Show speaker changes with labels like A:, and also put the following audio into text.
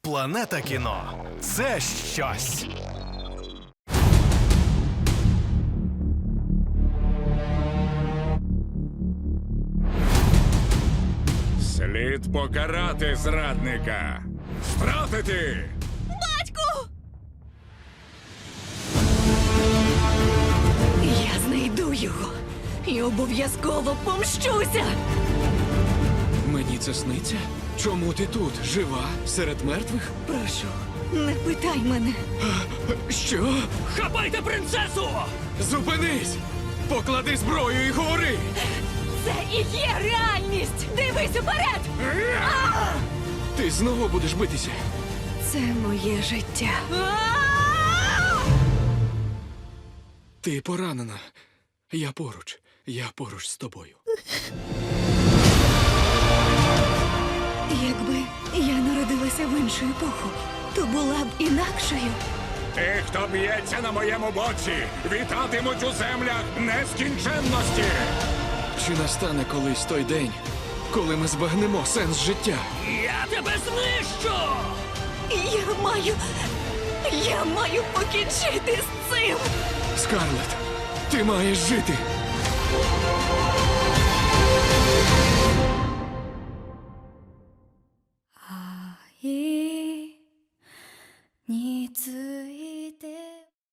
A: Планета кіно – це щось.
B: Слід покарати зрадника. Стратити!
C: Батьку! Я знайду його і обов'язково помщуся!
D: Мені це сниться? Чому ти тут? Жива? Серед мертвих?
C: Прошу, не питай мене.
D: Що?
E: Хапайте принцесу!
D: Зупинись! Поклади зброю і говори!
C: Це і є реальність! Дивись уперед!
D: Ти знову будеш битися?
C: Це моє життя.
D: Ти поранена. Я поруч. Я поруч з тобою.
C: Якби я народилася в іншу епоху, то була б інакшою.
B: Ті, хто б'ється на моєму боці, вітатимуть у землях нескінченності.
D: Чи настане колись той день, коли ми збагнемо сенс життя?
E: Я тебе знищу!
C: Я маю покінчити з цим!
D: Скарлетт, ти маєш жити!